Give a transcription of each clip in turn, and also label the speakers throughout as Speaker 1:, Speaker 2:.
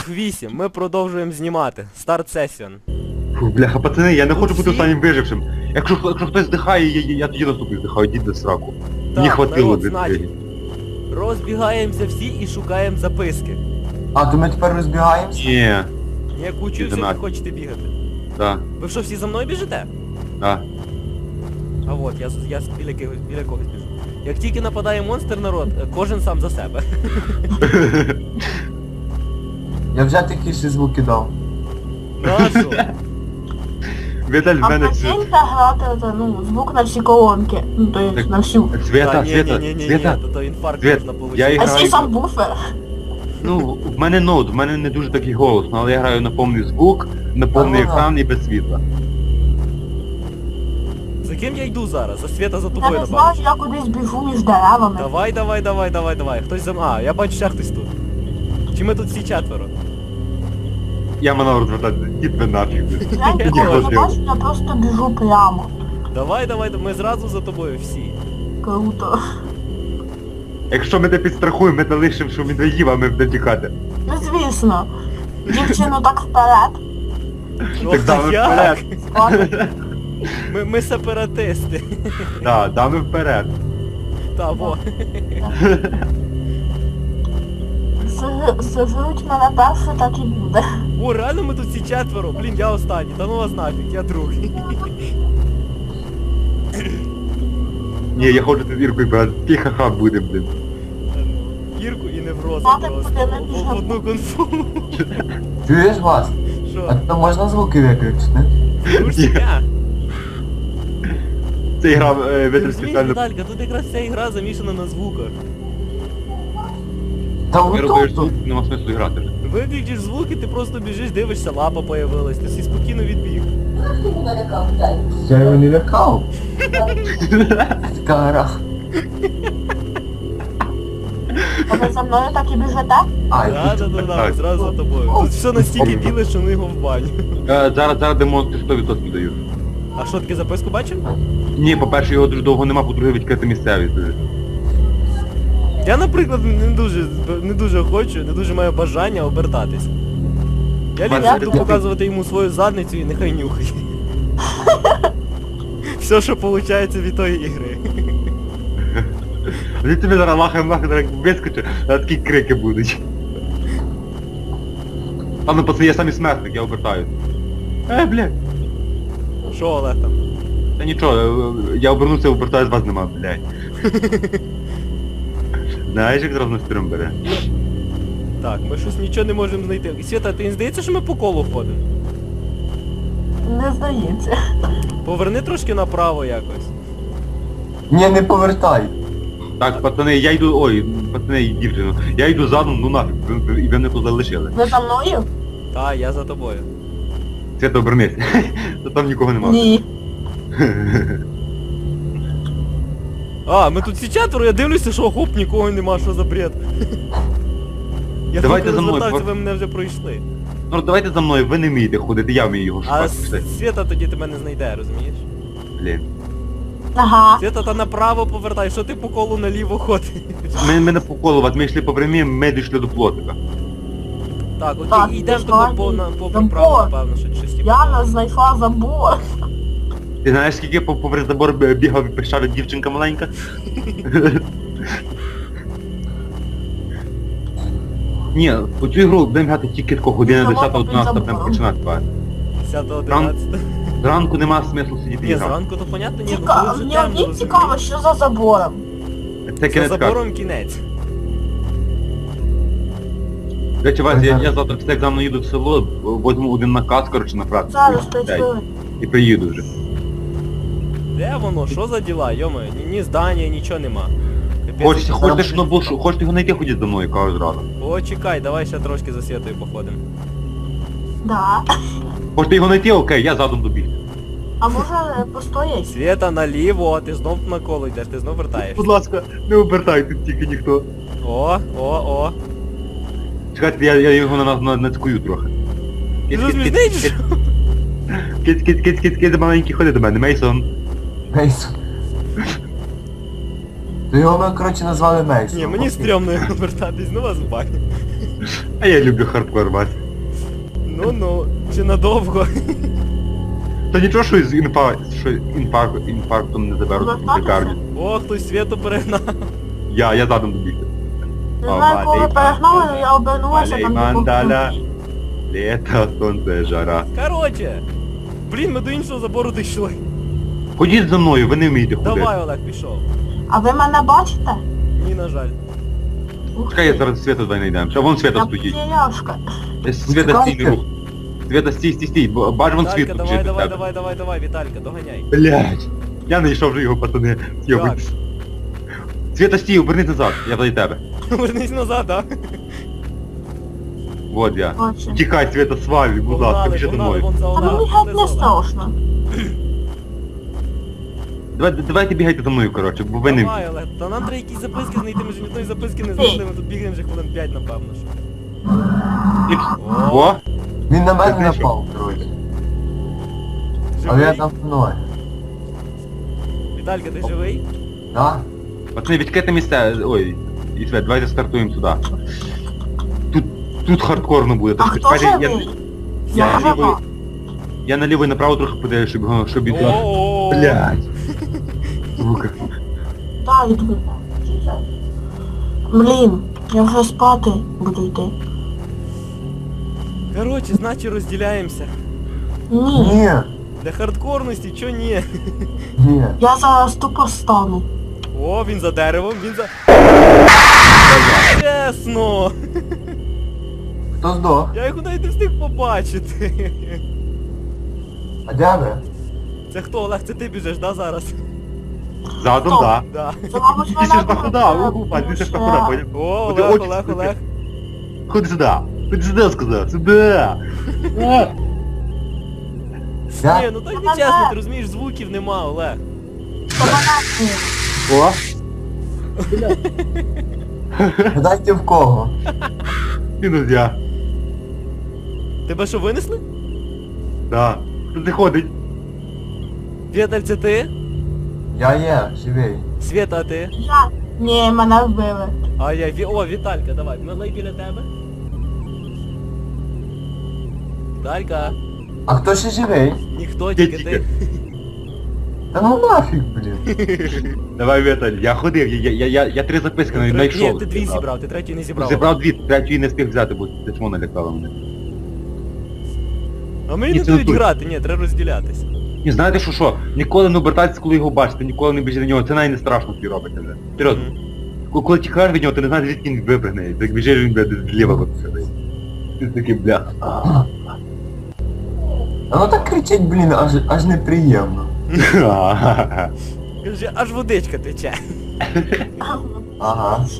Speaker 1: 8. Ми продовжуємо знімати. Старт сесіон.
Speaker 2: Фу, бляха, пацани, я не хочу бути
Speaker 1: всі?
Speaker 2: останнім вижившим. Якщо хтось здихає, я тоді наступний здихаю, йдіть до сраку.
Speaker 1: Так,
Speaker 2: Мені хватило
Speaker 1: народ,
Speaker 2: від
Speaker 1: значить,
Speaker 2: цієї.
Speaker 1: розбігаємося всі і шукаємо записки.
Speaker 3: А, то ми тепер розбігаємося?
Speaker 2: Ні,
Speaker 1: Я кучу,
Speaker 2: Іди
Speaker 1: все не
Speaker 2: нафіг.
Speaker 1: хочете бігати.
Speaker 2: да,
Speaker 1: Ви що, всі за мною біжите?
Speaker 2: да.
Speaker 1: А от, я біля когось біжу. Як тільки нападає монстр, народ, кожен сам за себе.
Speaker 3: Я вже тихіші звуки дав.
Speaker 1: Нащо?
Speaker 2: Віталь, в
Speaker 4: А
Speaker 2: мене
Speaker 4: прикиньте грати, звук на всі колонки. Ну, то є
Speaker 2: Так.
Speaker 4: на всю.
Speaker 2: Свята,
Speaker 1: Ні,
Speaker 2: Свята.
Speaker 1: то інфаркт
Speaker 2: Світ,
Speaker 1: можна
Speaker 2: я
Speaker 1: получити.
Speaker 4: А
Speaker 2: граю.
Speaker 4: ще й сам буфер.
Speaker 2: Ну, в мене ноут, в мене не дуже такий голосно, але я граю на повний звук, на повний
Speaker 3: Ага.
Speaker 2: екран і без світла.
Speaker 1: За ким я йду зараз? За Свята, за
Speaker 4: Я
Speaker 1: тобою,
Speaker 4: не
Speaker 1: напевно.
Speaker 4: знаю, я кудись біжу між деревами.
Speaker 1: Давай. Хтось за мною. А, я бачу, ще хтось тут. Чи ми тут всі четверо?
Speaker 2: Я мене розвертати, дід ви нафіг.
Speaker 4: Я ніколи не
Speaker 2: Ніхто
Speaker 4: бачу, я просто біжу прямо.
Speaker 1: Давай, ми зразу за тобою всі.
Speaker 4: Круто.
Speaker 2: Якщо ми те підстрахуємо, ми те лишимо, що медведів, а ми будемо тікати.
Speaker 4: Ну звісно. Дівчину так вперед.
Speaker 1: Ну,
Speaker 2: Так дами
Speaker 1: як?
Speaker 2: вперед.
Speaker 4: Ладно.
Speaker 1: Ми сепаратисти.
Speaker 2: Да, дами вперед.
Speaker 1: Та, во.
Speaker 4: Сожруть мене перше, так і буде.
Speaker 1: О, реально ми тут всі четверо. Блін, я останній. Та ну вас нафіг, я другий.
Speaker 2: Ні, я ходжу з Іркою, брат, тихо-ха буде, блін.
Speaker 1: Ірку і неврози
Speaker 4: Мати
Speaker 1: просто.
Speaker 4: буде не
Speaker 1: В одну конфу.
Speaker 3: Чуєш вас? А
Speaker 1: Що?
Speaker 3: то можна звуки виключити?
Speaker 1: Дурня.
Speaker 2: Це гра
Speaker 1: Ти
Speaker 2: витер
Speaker 1: розумієш,
Speaker 2: спеціально.
Speaker 1: Віталька, тут якраз ця ігра замішана на звуках.
Speaker 3: Та
Speaker 2: Не робиш
Speaker 3: отут.
Speaker 2: звук, нема смислу грати вже.
Speaker 1: Виключиш звуки, ти просто біжиш, дивишся, лапа появилась, ти всі спокійно відбіг.
Speaker 3: Я його не лякав. Така гра.
Speaker 4: А ви за мною так і біжите?
Speaker 3: Ай,
Speaker 1: Да, зразу за тобою. Тут все настільки біле, що ми його в баню.
Speaker 2: Зараз демонстри 100% даю.
Speaker 1: А що, таке записку бачив?
Speaker 2: Ні, по-перше, його дуже довго нема, по-друге, відкрита місцевість дуже.
Speaker 1: Я, наприклад, не дуже хочу, не дуже маю бажання обертатись. Я ліпше буду показувати йому свою задницю і нехай нюхає. Все, що виходить від тої ігри.
Speaker 2: Він тобі зараз лахаєм вискочить, а такі крики будуть. А ну пацани, я самі смертник, я обертаюсь. Блядь.
Speaker 1: Що, Олег там?
Speaker 2: Та нічого, я обернувся, обертаюсь, вас нема, блядь. Знаєш, як зразу настрім бере?
Speaker 1: Так, ми щось нічого не можемо знайти. Свята, ти не здається, що ми по колу ходимо?
Speaker 4: Не здається.
Speaker 1: Поверни трошки направо якось.
Speaker 3: ні, не повертай.
Speaker 2: Так, пацани, я йду, ой, пацани і дівчину, я йду задом, ну нафіг, і ви мене тут залишили.
Speaker 4: Ви за мною?
Speaker 1: Та, я за тобою.
Speaker 2: Свято, обернись. Та там нікого нема.
Speaker 4: Ні.
Speaker 1: А, ми тут всі четверо, я дивлюся, що хоп, нікого нема, що за бред. Я
Speaker 2: Давайте
Speaker 1: тільки
Speaker 2: за мною,
Speaker 1: розвертався,
Speaker 2: бо-
Speaker 1: ви мене вже пройшли.
Speaker 2: Ну давайте за мною, ви не вмієте ходити, я вмію його
Speaker 1: А
Speaker 2: шукати. Все.
Speaker 1: Свята тоді тебе не знайде, розумієш?
Speaker 2: Блін.
Speaker 4: Ага.
Speaker 1: Свята, та направо повертай, що ти по колу наліво ходиш?
Speaker 2: Ми не по колу, от ми йшли по прямі, ми дійшли до плотика.
Speaker 1: Так,
Speaker 4: Так,
Speaker 1: окей, йдемо
Speaker 4: пішла,
Speaker 1: по
Speaker 4: забор.
Speaker 1: право, напевно, що щось типу.
Speaker 4: Я знайшла забор.
Speaker 2: Ти знаєш, скільки попри забор бігав і пищала дівчинка маленька? Ні, у цю ігру будемо грати тільки тако година
Speaker 4: Забор
Speaker 2: 10-11
Speaker 4: попри
Speaker 2: прям
Speaker 4: забором.
Speaker 2: починати.
Speaker 1: 10-11.
Speaker 2: Зранку нема смислу сидіти і
Speaker 1: Ні,
Speaker 2: грати.
Speaker 1: зранку то понятно, ні,
Speaker 4: Цікаво,
Speaker 1: коли вже
Speaker 4: мені
Speaker 1: темно,
Speaker 4: одні
Speaker 1: розумієш?
Speaker 4: цікаво, що за забором.
Speaker 2: Це
Speaker 1: За
Speaker 2: кінець карти.
Speaker 1: забором кінець.
Speaker 2: До речі, Вась, я завтра після екзамену їду в село, возьму один наказ, коротше, на працю.
Speaker 4: Зараз 5
Speaker 2: Дай.
Speaker 4: хвилин.
Speaker 2: І приїду вже.
Speaker 1: Де воно? Що за діла? Йома, ні здання, нічого нема. Капець.
Speaker 2: Хочете, щоб воно було, хочете його знайти, ходіть за мною, кажу зразу.
Speaker 1: О, чекай, давай ще трошки за Святою походимо.
Speaker 4: Да.
Speaker 2: Хочете його знайти, окей, я задом добіг.
Speaker 4: А може постоять?
Speaker 1: Свята наліво, ти знов на коло йдеш, ти знов вертаєш.
Speaker 2: Будь ласка, не обертайте тільки ніхто.
Speaker 1: О.
Speaker 2: Чекайте, я його нацькую трохи.
Speaker 1: Ти розміжний чи що?
Speaker 2: Киць, маленький, ходи до мене, Мейсон.
Speaker 3: Мейсон. То його ми, коротше, назвали Мейсон.
Speaker 1: Ні, мені стрьомно його вертатись, ну вас в баню.
Speaker 2: А я люблю хардкор, Вась.
Speaker 1: Ну, чи надовго?
Speaker 2: Та нічого, що з інфарктом не заберуть в лікарню.
Speaker 1: О, хтось світу перегнав.
Speaker 2: Я задом добігти.
Speaker 4: Не знаю, коли перегнали, але я обернулася,
Speaker 2: Алей
Speaker 4: там
Speaker 2: мандаля. Лето, сонце, жара.
Speaker 1: Короче. Блін, ми до іншого забору дійшли.
Speaker 2: Ходіть за мною, ви не вмієте ходити.
Speaker 1: Давай, Олег, пішов.
Speaker 4: А ви мене бачите?
Speaker 1: Ні, на жаль.
Speaker 4: Ух
Speaker 2: Чекай, я
Speaker 4: ти.
Speaker 2: зараз Света давай знайдемо. А вон Света
Speaker 4: Я
Speaker 2: стоїть.
Speaker 4: потеряшка.
Speaker 2: Света стій, не рух. Света стій. Бач вон
Speaker 1: Віталька,
Speaker 2: світ
Speaker 1: давай,
Speaker 2: біжить
Speaker 1: давай,
Speaker 2: від тебе.
Speaker 1: давай, Віталька, доганяй.
Speaker 2: Блять. Я знайшов вже його, пацани. Йобить. Света стій, обернись назад, я до тебе.
Speaker 1: Вернись назад, а?
Speaker 2: Вот я.
Speaker 4: Бачу.
Speaker 2: Тікай, Света, свалюй, будь ласка,
Speaker 1: Погнали,
Speaker 2: біжи за
Speaker 1: погнали,
Speaker 2: мною.
Speaker 1: вон за
Speaker 4: Та
Speaker 1: Олегом.
Speaker 4: мені геть не страшно.
Speaker 2: Давайте бігайте за мною, коротше, бо ви не...
Speaker 1: Давай, Олег, та нам треба якісь записки знайти, ми ж ні одної записки не знайшли, ми тут бігаємо вже хвилин 5, напевно ж.
Speaker 2: О!
Speaker 3: Він на мене
Speaker 2: Ти знайшов?
Speaker 3: напав, коротше. Але я
Speaker 1: Живий?
Speaker 3: там мною.
Speaker 1: Віталька, ти живий?
Speaker 3: Да?
Speaker 2: Пацани, відкрите місце. Ой, і Свет, давайте стартуємо сюди. Тут хардкорно буде.
Speaker 4: А
Speaker 2: так
Speaker 4: хто
Speaker 2: чекайте,
Speaker 4: живий?
Speaker 2: я
Speaker 4: Я
Speaker 2: наліво,
Speaker 4: жива.
Speaker 2: я наліво і направо трохи подаю, щоб йти.
Speaker 1: О-о-о.
Speaker 2: Блядь. Звука.
Speaker 4: Дай йду. Блін, я вже спати буду йти.
Speaker 1: Короче, значить розділяємося.
Speaker 4: Ні,
Speaker 3: Ні.
Speaker 1: Для хардкорності, чо ні?
Speaker 3: Ні.
Speaker 4: я зараз тупо стану.
Speaker 1: О, він за деревом, він за... Чесно!
Speaker 3: Хто здох?
Speaker 1: Я його навіть не встиг побачити.
Speaker 3: А де ви?
Speaker 1: Це хто, Олег, це ти біжиш, да, зараз?
Speaker 2: Задом,
Speaker 4: Хто?
Speaker 2: да.
Speaker 1: Да.
Speaker 4: Це, мабуть,
Speaker 2: Ти ж нахуй, Вань, ти ж нахуй, поняв?
Speaker 1: О,
Speaker 2: Ходи,
Speaker 1: Олег,
Speaker 2: очі
Speaker 1: Олег,
Speaker 2: сюди.
Speaker 1: Олег.
Speaker 2: Ходи сюди. Ходи сюди, сказав. Сюди.
Speaker 3: Я?
Speaker 1: Ні, ну так не чесно, ти розумієш, звуків нема, Олег.
Speaker 2: О.
Speaker 3: Гадайте в кого?
Speaker 2: Мінус я.
Speaker 1: Тебе що, винесли?
Speaker 2: Да. Тут не ходить.
Speaker 1: Віталь, це ти?
Speaker 3: Я є, живий.
Speaker 1: Свята, а ти?
Speaker 4: Я... Ні, мене вбили.
Speaker 1: А я, о, Віталька, давай, ми біля тебе. Віталька,
Speaker 3: А хто ще живий?
Speaker 1: ніхто, тільки ти.
Speaker 3: Та ну нафіг, блін.
Speaker 2: Давай, Віталь, я ходив, я 3 записки навіть знайшов.
Speaker 1: Ні, ти 2 зібрав, ти 3 не зібрав.
Speaker 2: Зібрав 2, 3 не встиг взяти, бо ти чмо налякала мене.
Speaker 1: А мені
Speaker 2: Ні,
Speaker 1: не
Speaker 2: це
Speaker 1: дають
Speaker 2: не той.
Speaker 1: грати, ні, треба розділятися.
Speaker 2: І знаєте що? Ніколи не обертайтеся, коли його бачите, ніколи не біжіть до нього, це навіть не страшно тобі робите вже. Серйозно. Коли тікаєш від нього, ти не знаєш, звідки він випригне. Так біжиш він, блядь, зліва випригне. Ти такий, бля.
Speaker 3: А ну так кричить, блін, аж неприємно.
Speaker 1: Каже, аж водичка тече.
Speaker 3: Ага.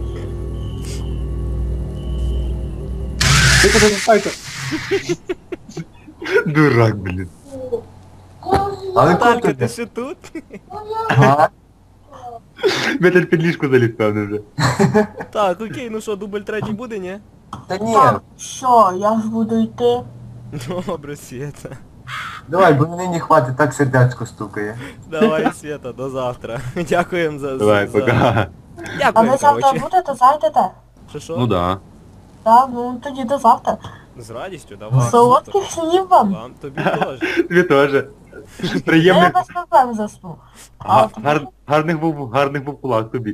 Speaker 2: Дурак, блін.
Speaker 3: Але
Speaker 1: Віталька,
Speaker 3: круто.
Speaker 1: ти ще тут?
Speaker 3: Ага.
Speaker 2: Металь під ліжку заліз, певно, вже.
Speaker 1: Так, окей, ну що, дубль 3 буде, ні?
Speaker 3: Та ні.
Speaker 4: Так, що, я ж буду йти.
Speaker 1: Добре, Свята.
Speaker 3: Давай, бо мені не хватить, так сердечко стукає.
Speaker 1: Давай, Свята, до завтра. Дякуємо за...
Speaker 2: Давай,
Speaker 1: за...
Speaker 2: пока.
Speaker 4: А ви
Speaker 1: Дякуємо,
Speaker 4: завтра
Speaker 1: коротше.
Speaker 4: будете, зайдете?
Speaker 1: Що?
Speaker 2: Ну да.
Speaker 4: Так, ну тоді до завтра.
Speaker 1: З радістю, давай.
Speaker 4: Солодких снів вам.
Speaker 1: Вам, тобі теж.
Speaker 2: Тобі теж.
Speaker 4: Я
Speaker 2: Приємних...
Speaker 4: без проблем засну. А от
Speaker 2: Гарних був кулак тобі.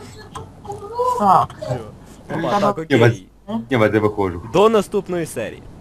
Speaker 4: так.
Speaker 1: Опа, так,
Speaker 2: Я вас-
Speaker 1: окей.
Speaker 2: Я вас я виходжу.
Speaker 1: До наступної серії.